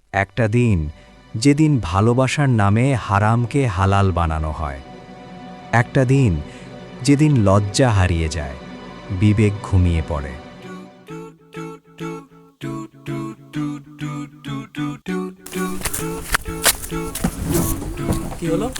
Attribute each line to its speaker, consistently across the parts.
Speaker 1: একটা দিন যেদিন ভালোবাসার নামে হারামকে হালাল বানানো হয়। একটা দিন যেদিন লজ্জা হারিয়ে যায়, বিবেক ঘুমিয়ে পড়ে।
Speaker 2: কি হলো?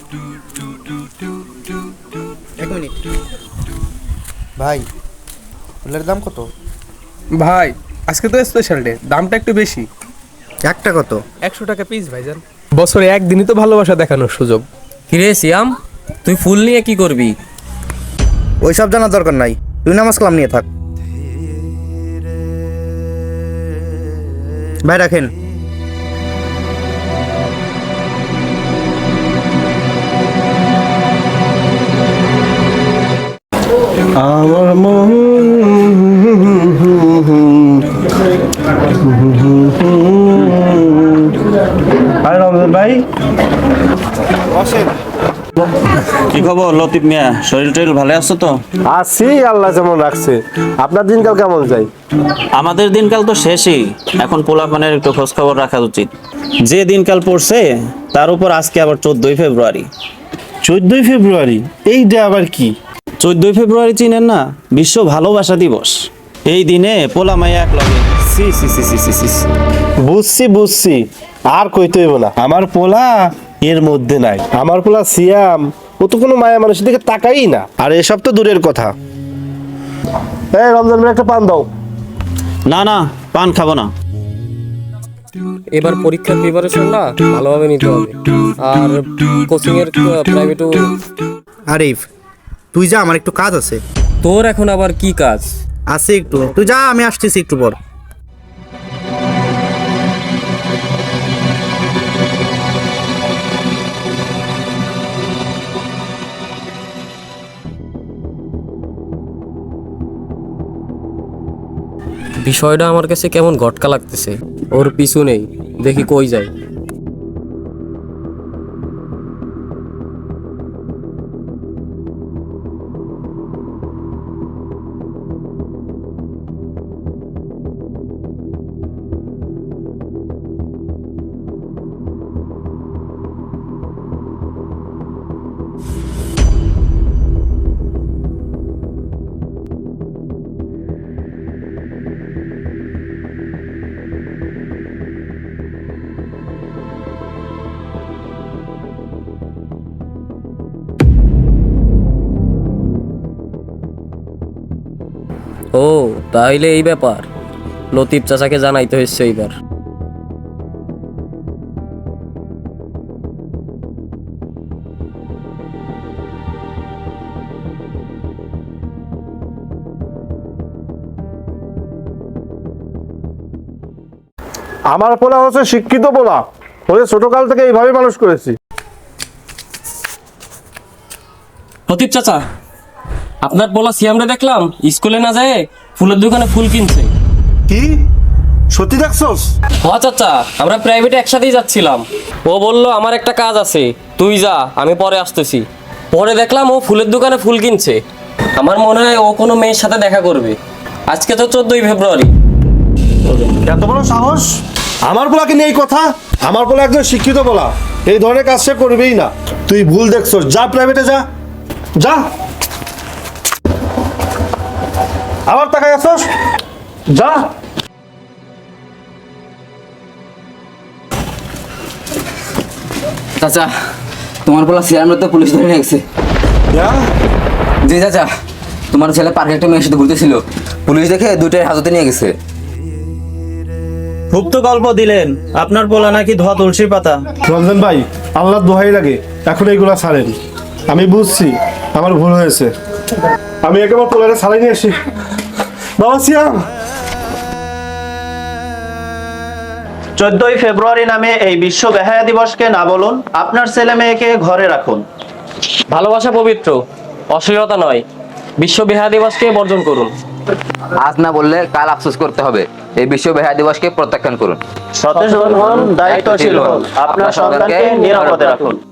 Speaker 3: এক মিনিট ভাই, ফুলের দাম কত?
Speaker 2: ভাই আজকে তো স্পেশাল ডে, দামটা একটু বেশি।
Speaker 3: একটা কত?
Speaker 2: 100 টাকা পিস ভাইজান। বছরে একদিনই তো ভালোবাসা দেখানোর সুযোগ।
Speaker 4: কিরে সিয়াম, তুই ফুল নিয়ে কি করবি?
Speaker 3: ওইসব জানার দরকার নাই, তুই নামাজ কালাম নিয়ে থাক। ভাই রাখেন।
Speaker 5: আমার মন আর রমজান ভাই,
Speaker 6: কি খবর লতিফ মিয়া, শরীর টরীর ভালো আছো তো?
Speaker 5: আছি, আল্লাহ যেমন রাখছে। আপনার দিনকাল কেমন যায়?
Speaker 6: আমাদের দিনকাল তো শেষই, এখন পোলাপানের একটু খোঁজ খবর রাখা উচিত। যে দিনকাল পড়ছে তার উপর আজকে আবার 14ই ফেব্রুয়ারি।
Speaker 5: 14ই ফেব্রুয়ারি? এইটা আবার কি?
Speaker 6: 14ই ফেব্রুয়ারি চিনেন না? বিশ্ব ভালোবাসা দিবস। এই দিনে পোলা মাইয়া এক লগে সি সি সি সি সি সি।
Speaker 5: বুঝছি, আর কইতে হইব না। আমার পোলা এর মধ্যে নাই। আমার পোলা সিয়াম, ও তো কোনো মায়া মানুষের দিকে তাকাই না। আর এসব তো দূরের কথা। এই রমজান ভাই, একটা পান দাও।
Speaker 6: না না, পান খাবো না।
Speaker 4: এবার পরীক্ষার প্রিপারেশনটা ভালোভাবে নিতে হবে, আর কোচিং এর প্রাইভেটও।
Speaker 3: আরিফ, তুই যা, আমার একটু কাজ আছে।
Speaker 4: তোর এখন আবার কি কাজ?
Speaker 3: আছে একটু, তুই যা, আমি আসতেছি একটু পর।
Speaker 4: বিষয়টা আমার কাছে কেমন ঘটকা লাগতেছে। ওর পিছু নেই, দেখি কই যায়। ও তাইলে এই ব্যাপার, লতিফ চাচাকে জানাইতে হচ্ছে এইবার।
Speaker 5: আমার পোলা হচ্ছে শিক্ষিত পোলা, ওদের ছোটকাল থেকে এইভাবে মানুষ করেছি।
Speaker 4: লতিফ চাচা, আপনার বলা সিয়ামরে দেখলাম স্কুলে না যায় ফুলের দোকানে ফুল কিনছে।
Speaker 5: কি সত্যি দেখছস?
Speaker 4: হ্যাঁ চাচা, আমরা প্রাইভেটে একসাথেই যাচ্ছিলাম। ও বলল আমার একটা কাজ আছে, তুই যা, আমি পরে আসতেছি। পরে দেখলাম ও ফুলের দোকানে ফুল কিনছে। আমার মনে হয় ও কোনো মেয়ের সাথে দেখা করবে। আজকে তো 14ই ফেব্রুয়ারি।
Speaker 5: এত বড় সাহস আমার পোলাকে নিয়ে এই কথা? আমার পোলা একজন শিক্ষিত পোলা, এই ধরনের কাজ সে করবেই না। তুই ভুল দেখছস, যা প্রাইভেটে যা। যা, আবার তাকাই আসছস, যা।
Speaker 7: চাচা, তোমার পোলা সিয়ামরা তো পুলিশ ধরে নিয়ে গেছে। জি চাচা, তোমার ছেলে পার্কে একটা মেয়ের সাথে ঘুরতেছিল, পুলিশ দেখে দুইটাই হাজতে নিয়ে গেছে।
Speaker 6: খুব তো গল্প দিলেন, আপনার পোলা নাকি ধোয়া তুলসী পাতা।
Speaker 5: রমজান ভাই, আল্লাহ দোহাই লাগে, এখন এইগুলা ছাড়েন। আমি বুঝছি আমার ভুল হয়েছে, আমি একেবারে পোলারে ছাড়াই নিয়ে আসি। বাবা সিয়াম,
Speaker 6: 14ই ফেব্রুয়ারি নামে এই বিশ্ব বেহায়া দিবসকে না বলুন, আপনার ছেলে মেয়েকে ঘরে রাখুন।
Speaker 4: ভালোবাসা পবিত্র, অশ্লীলতা নয়। বিশ্ব বেহায়া দিবসকে বর্জন করুন।
Speaker 7: আজ না বললে কাল আফসোস করতে হবে। এই বিশ্ব বেহায়া দিবসকে প্রত্যাখ্যান করুন।
Speaker 6: সচেতন হন, দায়িত্বশীল হন, আপনার সন্তানকে নিরাপদে রাখুন।